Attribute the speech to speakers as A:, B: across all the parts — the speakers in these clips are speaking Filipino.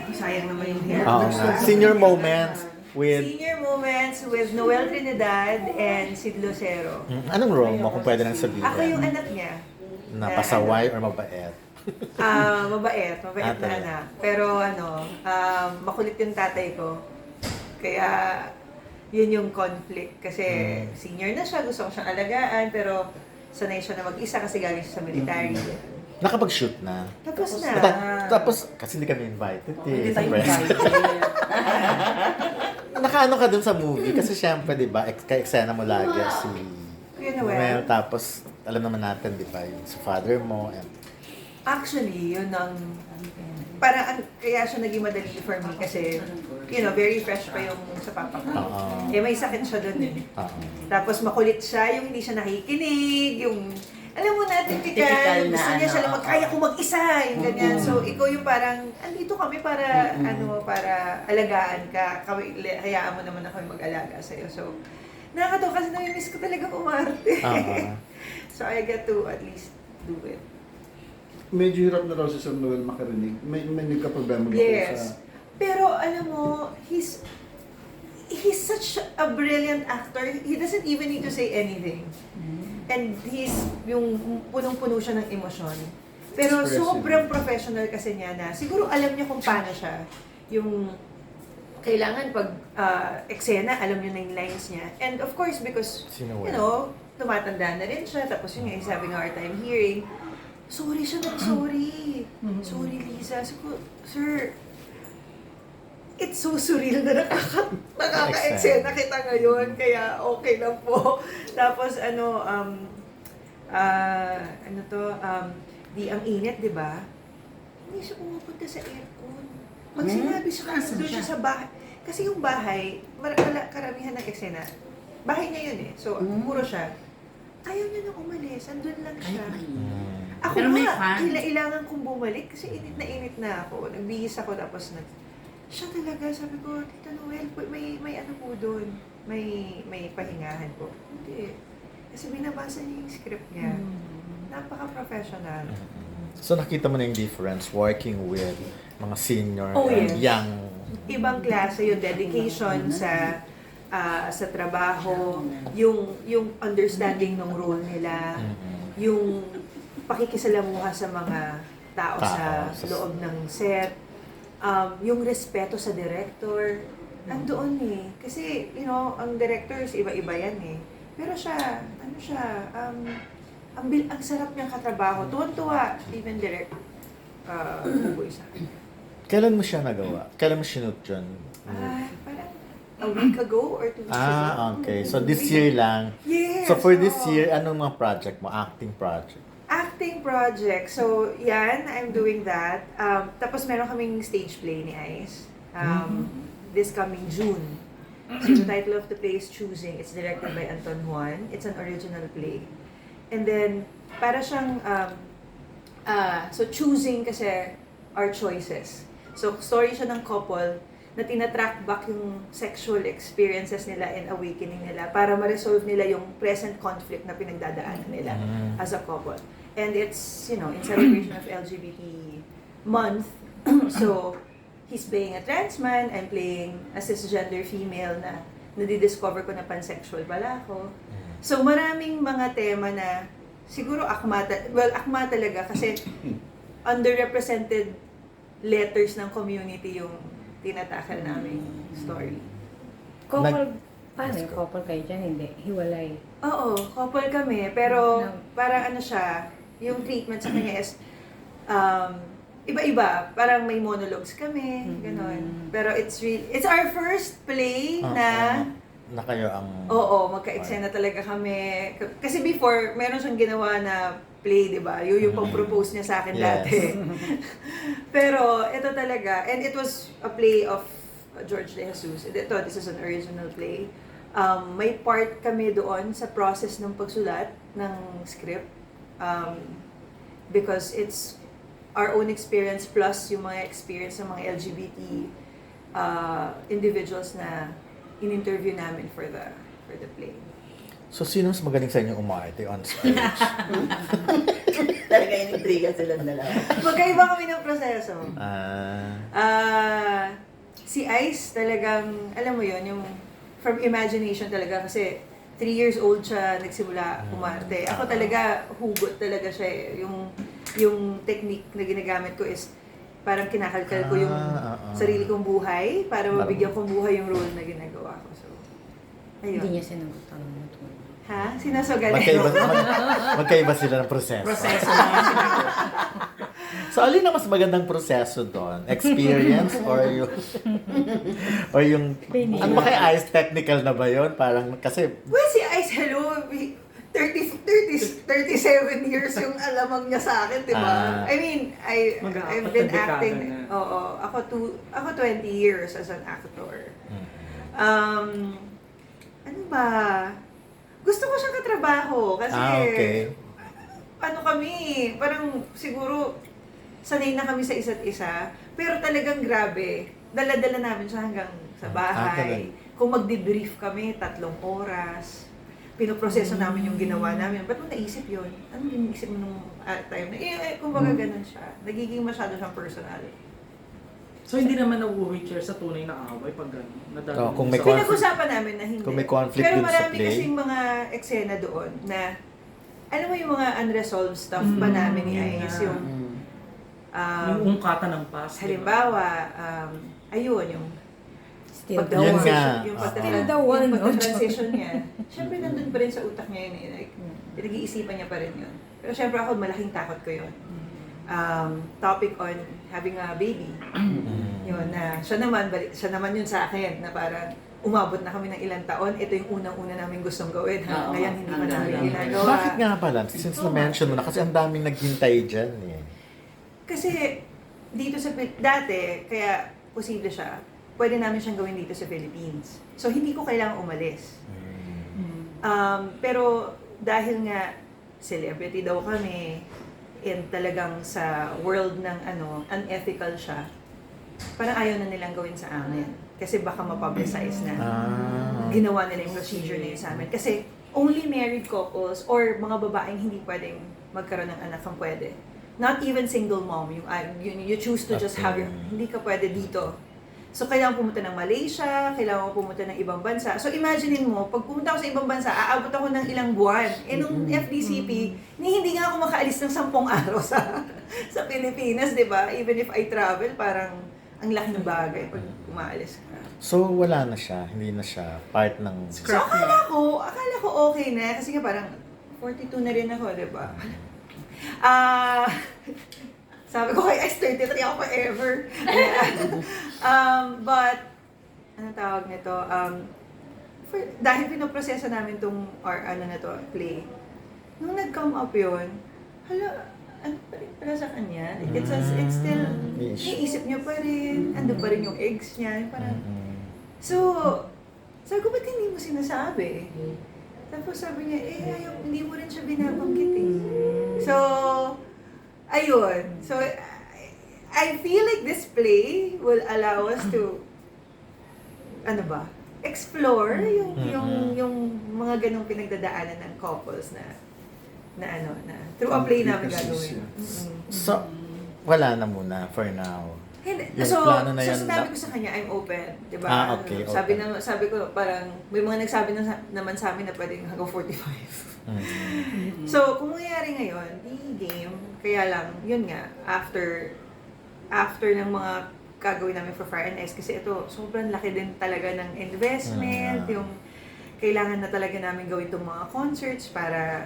A: Sayang naman yung hair.
B: Oo nga. Senior moments with...
A: Senior moments with Noel Trinidad and Sid Lucero.
B: Anong role mo kung pwede nang sabihin?
A: Ako yung anak niya.
B: Na pasaway or mabait?
A: Mabait na
B: Ate.
A: anak. Pero makulit yung tatay ko. Kaya yun yung conflict. Kasi senior na siya, gusto ko siyang alagaan, pero sanay siya na mag-isa kasi galing siya sa military.
B: Nakapag-shoot na.
A: Tapos na.
B: Tapos, kasi hindi kami invited
C: Hindi tayo
B: Siyempre.
C: invited.
B: Nakaano ka dun sa movie? Kasi syempre, di ba, ka-eksena mo lagi si
A: Kuya Noel.
B: Noel. Tapos, alam naman natin, di ba, yung sa father mo. And,
A: Actually, yun ang... Parang kaya siya naging madali for me kasi, very fresh pa yung sa papa ko.
B: Oo.
A: May sakit siya doon eh.
B: oo.
A: Tapos makulit siya, yung hindi siya nakikinig, yung... Alam mo na,
C: Typical
A: typical,
C: na
A: gusto niya siya lang kaya ko mag-isa, yung ganyan.
B: Mm.
A: So, ikaw yung parang, andito kami para, para alagaan ka, hayaan mo naman ako yung mag-alaga sa'yo. So, nakakatawa kasi nami-miss ko talaga umarte.
B: Oo.
A: So, I get to at least do it.
D: Medyo hirap na raw si Sir Noel makarinig. May nagka-problema ba po
A: Yes.
D: sa...
A: Pero alam mo, he's such a brilliant actor. He doesn't even need to say anything. And he's yung punong-puno siya ng emosyon. Pero
D: Expressive.
A: sobrang professional kasi niya na siguro alam niya kung paano siya. Yung kailangan pag eksena, alam niyo na yung lines niya. And of course, because,
B: Si
A: you
B: Noel.
A: know, tumatanda na rin siya. Tapos yun nga, he's having a hard time hearing. Sorry siya sorry. Sorry, Lisa. Sabi ko, sir, it's so surreal na nakaka-eksena kita ngayon. Kaya okay lang po. Tapos ang init, di ba? Hindi siya pumupunta sa aircon. Pag sinabi siya,
C: Nasaan
A: doon siya
C: siya?
A: sa bahay. Kasi yung bahay, karamihan ng eksena, bahay niya yun eh. So, puro siya. Ayaw niya nang umalis. Andun lang siya. Ako
C: Pero may
A: nga,
C: fan.
A: kailangan kong bumalik kasi init na ako. Nagbihis ako tapos siya talaga, sabi ko, Tita Noel, may ano po doon. May pahingahan po. Hindi. Kasi binabasa niya yung script niya. Napaka-professional.
B: So, nakita mo na yung difference working with mga senior
A: Oh,
B: and
A: yes.
B: young.
A: Ibang klase yung dedication sa trabaho, yung understanding ng role nila, yung pakikisalamuha sa mga tao sa loob ng set, yung respeto sa director, andoon eh. Kasi, ang directors, iba-iba yan eh. Pero siya, ang sarap niyang katrabaho. Tuwan-tuwa, even direct, buboy sa akin.
B: Kailan mo siya nagawa? Kailan mo sinut yun?
A: Parang a week ago or 2 weeks ago.
B: Okay. So, this year lang.
A: Yes!
B: So, for this
A: oo.
B: year, anong mga project mo? Acting project?
A: Acting project. So, yan, I'm doing that. Tapos meron kaming stage play ni Ice. This coming June. So, the title of the play is Choosing. It's directed by Anton Juan. It's an original play. And then, para siyang, so choosing kasi our choices. So, story siya ng couple na tinatrack back yung sexual experiences nila and awakening nila para ma-resolve nila yung present conflict na pinagdadaanan nila as a couple. And it's, in celebration of LGBT month. So, he's playing a trans man, I'm playing a cisgender female na nadidiscover ko na pansexual pala ako. So, maraming mga tema na siguro akma talaga kasi underrepresented letters ng community yung tinatakal naming story.
E: Couple, paano yung couple kayo dyan? Hindi, hiwalay.
A: Oo, couple kami, pero
E: No.
A: parang siya, yung treatment sa kanya is iba-iba. Parang may monologues kami, gano'n. Pero it's our first play na
B: na kayo ang...
A: Oo, magka-eksena talaga kami. Kasi before, meron siyang ginawa na play, di ba? Yung pang-propose niya sa akin
B: Yes.
A: dati. Pero ito talaga, and it was a play of George De Jesus. This is an original play. May part kami doon sa process ng pagsulat ng script. Because it's our own experience plus yung mga experience ng mga LGBT individuals na in-interview namin for the play.
B: So, sino mas magaling sa inyo umarte on stage?
C: Talaga intriga silang dalawa.
A: Magkaiba kami ng proseso. Alex, talagang, alam mo yon yung from imagination talaga kasi 3 years old siya nagsimula umarte. Ako talaga, hugot talaga siya eh. Yung technique na ginagamit ko is parang kinakalkal ko yung sarili kong buhay para mabigyan kong buhay yung role na ginagawa ko. So, ayun.
E: Hindi niya sinagot ang ito.
A: Ha? Sinasogan
B: Magkaiba sila ng proseso.
C: Proseso na
B: So, alin ang mas magandang proseso doon? Experience or yung ano ba kaya Ice technical na ba yun? Parang kasi
A: Well, si Ice, hello, 37 years yung alamang niya sa akin, di ba? I mean, I've been acting, oo, ako 20 years as an actor. Ano ba? Gusto ko siyang katrabaho kasi
B: okay.
A: ano kami, parang siguro sanay na kami sa isa't isa, pero talagang grabe. Dala-dala namin siya hanggang sa bahay. Kung magde-brief kami, 3 oras. Pinoproseso namin yung ginawa namin. Ba't mo naisip yun? Anong iniisip mo nung time na? Kumbaga ganun siya. Nagiging masyado siyang personal.
C: So hindi naman na-wheelchair sa tunay na away pag gano'n.
B: Kung may
A: Pinag-usapan namin na hindi.
B: Kung may conflict
A: pero
B: dun sa
A: marami
B: play.
A: kasing mga eksena doon na alam mo yung mga unresolved stuff ba namin ni Ice? Yung
C: yung ungkatan ng past.
A: halimbawa, ayun, yung
E: Still the
B: Yun
E: one.
B: nga.
A: Yung
E: Still the one,
A: yung
E: no?
A: pagka-transition niya. Siyempre, nandun pa rin sa utak niya yun eh. Like, pinag-iisipan niya pa rin yun. Pero siyempre ako, malaking takot ko yun. Topic on having a baby. Yun, na siya naman yun sa akin, na parang umabot na kami ng ilang taon, ito yung unang-una namin gustong gawin.
C: Oo.
A: Ngayon, hindi pa namin
C: Ang
A: ginagawa.
B: Bakit nga pala? Since na-mention mo na, kasi ang daming naghintay dyan eh.
A: Kasi dito sa dati, kaya posible siya, pwede namin siyang gawin dito sa Philippines. So, hindi ko kailangang umalis. Pero dahil nga celebrity daw kami, and talagang sa world ng unethical siya, parang ayaw na nilang gawin sa amin. Kasi baka mapublicize na. Ginawa nila yung procedure na yun sa amin. Kasi only married couples or mga babaeng hindi pwedeng magkaroon ng anak ang pwede. Not even single mom, you choose to just have hindi ka pwede dito. So, kailangan pumunta ng Malaysia, kailangan pumunta ng ibang bansa. So, imaginein mo, pag pumunta ako sa ibang bansa, aabot ako ng ilang buwan. Nung FDCP, hindi nga ako makaalis ng 10 araw sa Pilipinas, di ba? Even if I travel, parang ang laki ng bagay pag umaalis ka.
B: So, wala na siya. Hindi na siya part ng...
A: So, akala ko okay na. Kasi nga parang 42 na rin ako, di ba? Sabi ko kay Ice, 33 ako forever. But, ano tawag nito? Dahil pinoproseso namin itong, play, nung nag-come up yun, ano pa rin pala sa kanya? It's still, iisip niya pa rin, ando pa rin yung eggs niya. Parang, so, sabi ko, ba't hindi mo sinasabi? Tapos sabi niya, hindi mo rin siya binabanggit eh. So, ayun. So, I feel like this play will allow us to, explore yung mga ganong pinagdadaanan ng couples na through a play namin gagawin.
B: So, wala na muna for now. Yung
A: So,
B: plano na yan
A: sinabi ko sa kanya, I'm open. Diba?
B: Okay,
A: Sabi ko, parang, may mga nagsabi naman sa amin na pwedeng hanggang 45. So, kung mangyayari ngayon, di game. Kaya lang, yun nga, after ng mga gagawin namin for Fire and Ice, kasi ito, sobrang laki din talaga ng investment, yung kailangan na talaga namin gawin itong mga concerts para,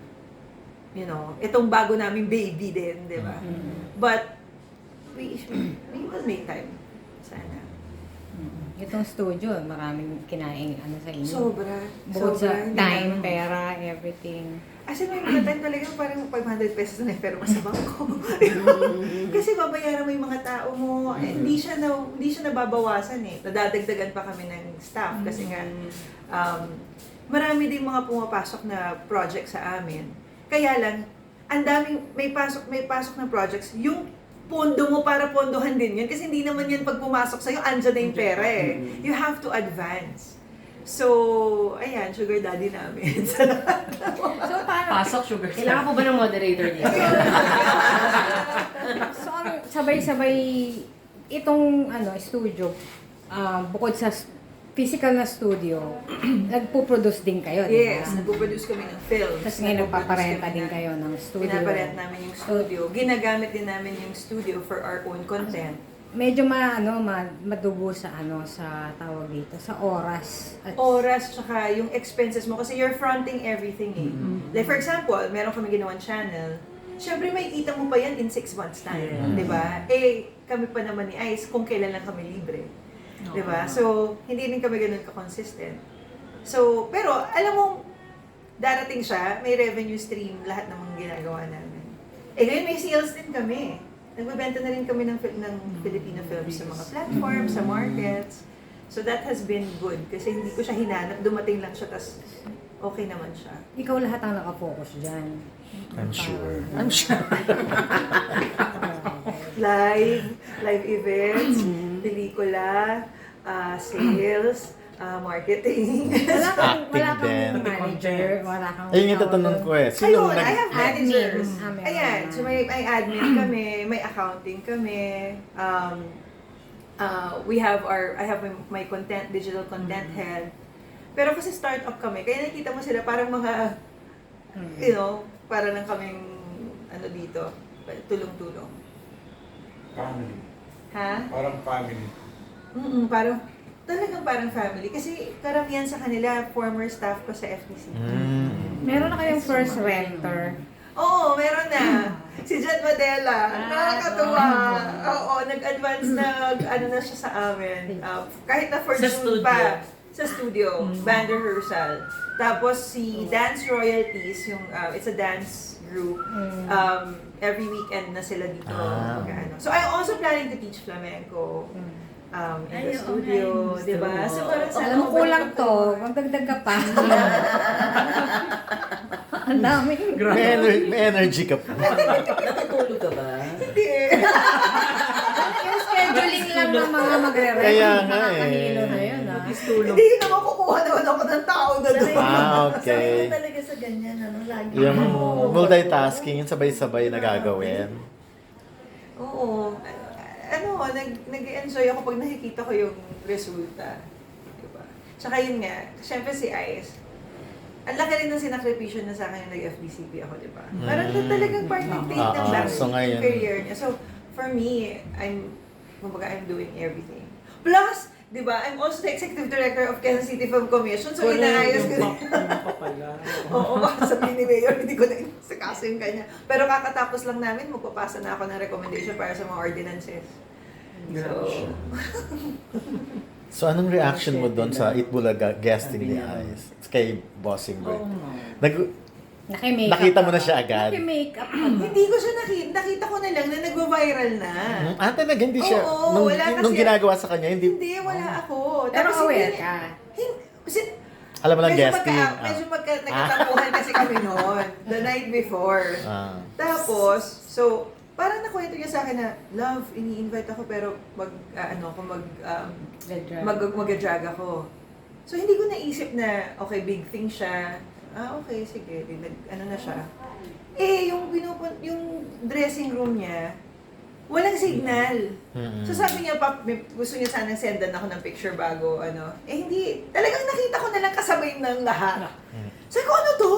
A: itong bago naming baby din, di ba? But, we will make time. Sana.
E: Itong studio, maraming kinaing sa inyo.
A: Sobra.
E: Bukod sa
A: Hindi
E: time,
A: namin-
E: pera, everything.
A: As in, may mga time talaga parang 500 pesos na pero sa bangko. Kasi babayaran mo yung mga tao mo. Hindi siya nababawasan eh. Nadadagdagan pa kami ng staff kasi nga marami din mga pumapasok na project sa amin. Kaya lang, ang daming may pasok na projects. Yung pondo mo para pondohan din yun. Kasi hindi naman yan pag pumasok sa'yo, andyan na yung pera eh. You have to advance. So, ayan, sugar daddy namin.
E: So, paano?
C: Pasok sugar.
F: Kailangan po ba ng moderator dito?
E: So, sabay-sabay, itong studio, bukod sa physical na studio, nagpo-produce din kayo, di ba?
A: Yes, nagpo-produce kami ng films.
E: Tapos ngayon nagpaparenta din kayo ng studio.
A: Pinaparent namin yung studio. Ginagamit din namin yung studio for our own content.
E: Medyo madugo sa sa tawag dito, sa oras. At
A: Oras, tsaka yung expenses mo. Kasi you're fronting everything eh. Like for example, meron kami ginawang channel. Siyempre, may kita mo pa yan in 6 months time.
C: Yeah.
A: Di ba? Eh, kami pa naman ni Ice kung kailan lang kami libre. Di ba? So, hindi rin kami ganun ka-consistent. So, pero, alam mo, darating siya, may revenue stream, lahat ng mga ginagawa namin. Eh, ngayon may sales din kami. Nagbebenta na rin kami ng Filipino films sa mga platforms, sa markets. So, that has been good. Kasi hindi ko siya hinanap, dumating lang siya, tas okay naman siya.
E: ikaw lahat ang nakafocus dyan.
B: I'm sure.
E: I'm sure.
A: Live events, pelikula, sales, marketing.
E: Wala kang
B: din.
E: manager, wala kang...
B: Ayun yung tatanong ko eh. Sino
A: Ayun, I have managers.
E: Admin.
A: Ayan, so may admin kami, may accounting kami. I have my content, digital content head. Pero kasi startup kami, kaya nakita mo sila parang mga, para lang kaming, dito, tulong-tulong.
F: Family.
A: Ha?
F: Parang family.
A: Talagang parang family. Kasi karamihan sa kanila, former staff ko sa FTC.
E: Meron na kayong first renter.
A: Oo, meron na. Si Jan Madela. Nakakatuwa. Oo, nag-advance na siya sa amin. Kahit na for
C: Sa
A: June
C: studio.
A: pa. Sa studio. Band rehearsal. Tapos si Dance Royalties, it's a dance group. Every weekend na sila dito. Mag-ano. So I'm also planning to teach flamenco. In the studio, di ba? So parang
E: Alam mo, kulang to. Magdagdag ka pa. Ang dami.
B: May energy ka pa.
G: Natutulog ka ba?
A: Hindi.
E: Yung scheduling lang ng mga magre-rent.
B: Kaya nga
E: mga
B: eh.
E: kanilo na yun, ha?
A: Hindi naman kukuha naman ako ng tao na doon.
B: Okay.
G: Sanay ka talaga sa ganyan, lagi.
B: Yung multitasking, yung sabay-sabay na gagawin.
A: Oo. Nag-enjoy ako pag nakikita ko yung resulta. Diba? Tsaka yun nga, syempre si Ice, ang laki rin ng sinakripisyo na sa akin yung nag-FBCP ako, di ba? Parang talagang participate ng back
B: so ngayon,
A: career niya. So, for me, I'm doing everything. Plus, di ba, I'm also the executive director of Quezon City Film Commission, so inaayos ko din. Oo, sabihin ni Mayor, hindi ko na inasikaso yung kanya. Pero kakatapos lang namin, magpapasa na ako ng recommendation para sa mga ordinances.
B: So anong reaction mo doon sa Itbulaga guesting ni Ice? Kay Bossing Boy?
E: Naki-makeup
B: Nakita mo na
E: ka.
B: siya agad?
E: Naki-makeup ka.
A: Hindi ko siya nakita ko na lang na nagva-viral na.
B: Talaga, hindi siya.
A: Oo, wala kasi-
B: Nung ginagawa sa kanya, hindi.
A: Hindi, wala ako.
E: Pero
A: Tapos
E: aware
A: hindi-
E: ka.
B: Alam mo lang
A: medyo
B: guesting.
A: Medyo nagkatapuhan kasi kami noon. The night before. Tapos, so, parang nakwento niya sa akin na, love, ini-invite ako pero mag-drag ako. So, hindi ko naisip na, okay, big thing siya. Okay, sige. Na siya. Yung dressing room niya, walang signal. So sabi niya, gusto niya sanang sendan ako ng picture bago, hindi. Talagang nakita ko na lang kasabay ng lahat. Sabi ko, ano to?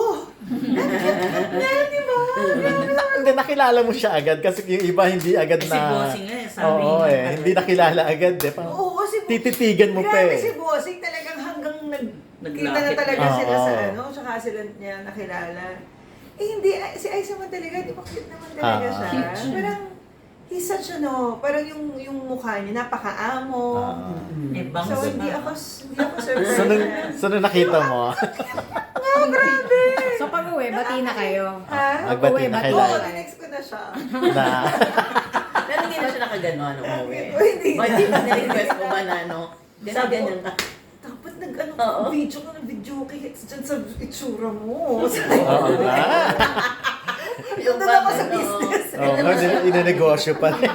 A: Di ba?
B: Hindi, nakilala mo siya agad kasi yung iba hindi agad
C: Si
B: na...
C: Bossing nga eh, sabi
B: Oo
C: niya.
B: hindi nakilala agad eh. Parang
A: Oo,
B: tititigan mo pa
A: grabe
B: eh.
A: si Bossing talagang hanggang kita na
C: Naglapit
A: talaga
B: na.
A: sila sa
B: Oo.
A: tsaka sila niya nakilala. Hindi, si Ice naman talaga, di ba cute naman talaga siya. Parang, he's such parang yung mukha niya, napakaamo. So, hindi ako surprised.
B: So nung nakita mo,
A: Grabe!
E: So pag-uwi, bati na kayo.
A: Ha?
B: Magbati na kayo.
A: Oo, tinext ko na siya.
B: na
G: Pero hindi na siya nakaganon, umuwi.
A: Hindi
G: O, hindi ba na-request mo ba na,
A: Sabi ko,
G: ganyan ka?
A: dapat
G: Oo.
A: video ka ng video hits dyan sa itsura mo.
B: oo nga.
A: Yung doon ako sa business.
B: Oo, inanegosyo pa rin.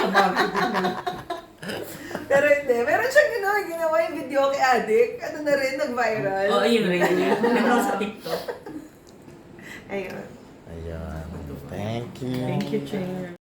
A: Pero hindi. Meron siyang ginawa yung video kay Adik. Na rin, nag-viral.
C: Oo, yun rin. Meron sa TikTok.
A: Ayun.
B: Ayun. Thank you.
C: Thank you, Chair.